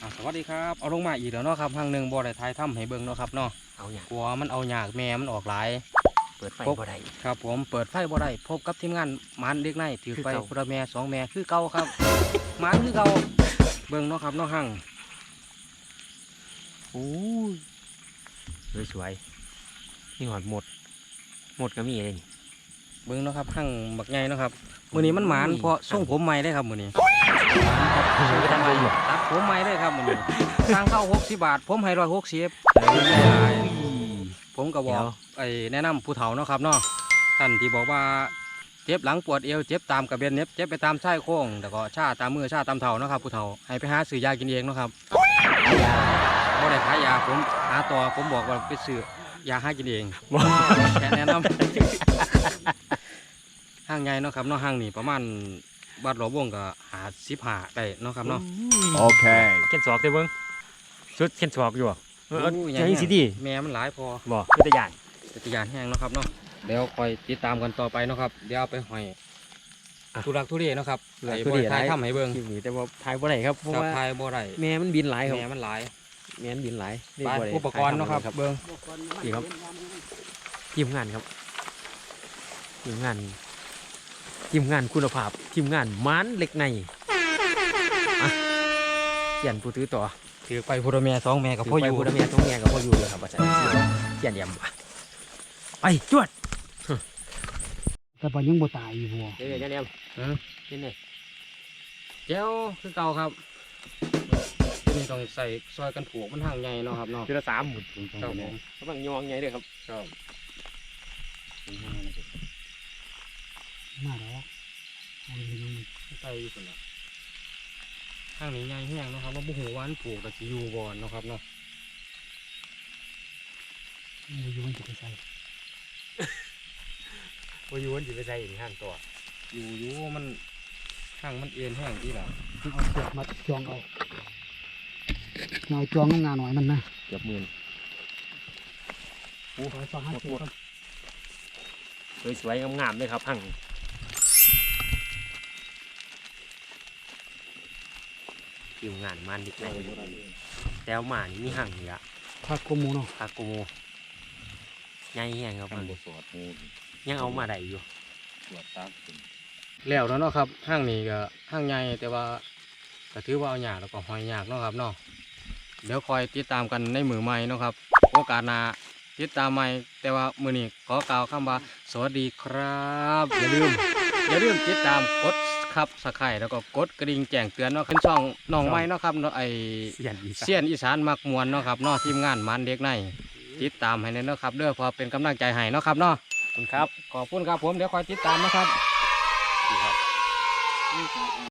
สวัสดีครับเอาลงมาอีกแล้วเนาะครับห้างหนึ่งบ่ได้ทายถ้ำให้เบิ่งเนาะครับเนาะเอาอย่างกลัวมันเอาหยากแม่มันออกหลายเปิดไฟบ่ได้ครับผมเปิดไฟบ่ได้พบกับทีมงานมันเด็กในถือไปคือเก่าพุระแม่2 แม่คือเก่าครับ มันคือเก่าเบิ่งเนาะครับเนาะห้างโอ้ยสวยๆนี่หอดหมดก็มีเลยนี่เบิ่งเนาะครับห้างบักใหญ่เนาะครับมื้อนี้มันหมานเพราะส่งผมใหม่ได้ครับมื้อนี้ไปทำอะไรอยู่ตัดผมใหม่เลยครับมื้อนี้สร้างเข้า60 บาทผมให้160ผมก็บอกแนะนำผู้เฒ่าเนาะครับเนาะท่านที่บอกว่าเจ็บหลังปวดเอวเจ็บตามกระเบนเน็บเจ็บไปตามชายโครงแต่ก็ชาตามมือชาตามเท้าเนาะครับผู้เฒ่าให้ไปหาซื้อยากินเองเนาะครับบ่ได้ขายยาผมหาต่อผมบอกว่าไปซื้อยาหากินเองแค่แนะนำ ห้างใหญ่เนาะครับเนาะห้างนี่ประมาณบาทหลวงวงก็55ได้เนาะครับเนาะโอเคเข็นศอกเด้เบิ้งชุดเข็นศอกอยู่อ่ะใช่สิดีแม่มันหลายพอบ่คือตะยานจักรยานแห้งเนาะครับเนาะเดี๋ยวคอยติดตามกันต่อไปเนาะครับเดี๋ยวเอาไปห้อยทุรักทุเรเนาะครับไอ้บ่ได้ทายทำให้เบิ่งคลิปนี้แต่ว่าถ่ายบ่ได้ครับเพราะครับว่าทายบ่ได้แม่มันบินหลายครับแม่มันหลายแม่มันบินหลายไปอุปกรณ์เนาะครับเบิ่งนี่ครับทีมงานครับทีมงานคุณภาพทีมงานมันเล็กในอ่ะเขียนผู้ถือต่อถือไปพุทธแม่2 แม่กับพ่ออยู่พูดแม่ท้องแม่กับพ่ออยู่เลยครับอาจารย์เขียนยำไปจวดแต่ปยังบ่ตายอยู่บ่เดี๋ยวเดี๋ยวนี่นี่แก้วคือเก่าครับที่นี่ต้องใส่ซอยกันผูกมันห่างใหญ่เนาะครับเนาะทีละ3หมุนครับผมกำลังยองไงเลยครับครับมาแล้วเอาไปดูใส่อยู่คนละข้างนี้ใหญ่แห้งเนาะครับว่าบุหัวามันผูกกับสิอยู่บ่อนเนาะครับเนาะมันอยู่มันจะไปใส่พออยู่วันจีไปใส่ห้างตัวอยู่มันข้างมันเอ็นแห้งที่ละเอาเสือกมาจองเอาหน่อยจองงานหน่อยมันนะเกือบหมื่นโอ้ย250ครับสวยๆงามๆเลยครับห้างทีมงานมันดิกในแล้วมานี่มีห้างนี่ละผักกมูเนาะคาโกโมใหญ่แห้งครับมัมัน นบสวดมูยังเอามาได้อยู่สวดตามเป็นแล้วเนาะครับห้างนี้ก็ห้างใหญ่แต่ว่าก็ถือว่าเอาหยากแล้วก็หอยหยากเนาะครับเนาะเดี๋ยวคอยติดตามกันในมือใหม่เนาะครับโอกาสหน้าติดตามใหม่แต่ว่ามือนี้ขอกล่าวคำว่าสวัสดีครับอย่าลืมติดตามกดครับสไครต์แล้วก็กดกระดิ่งแจ้งเตือนเนาะขึ้นช่องน้องใหม่เนาะครับเนาะไอเสียนอีสานเซียนอีสานมักมวนเนาะครับเนาะทีมงานมันเด็กในติดตามให้เนาะครับเด้อพอเป็นกำลังใจให้เนาะครับเนาะขอบคุณครับขอบคุณครับผมเดี๋ยวคอยติดตามนะครับดีครับ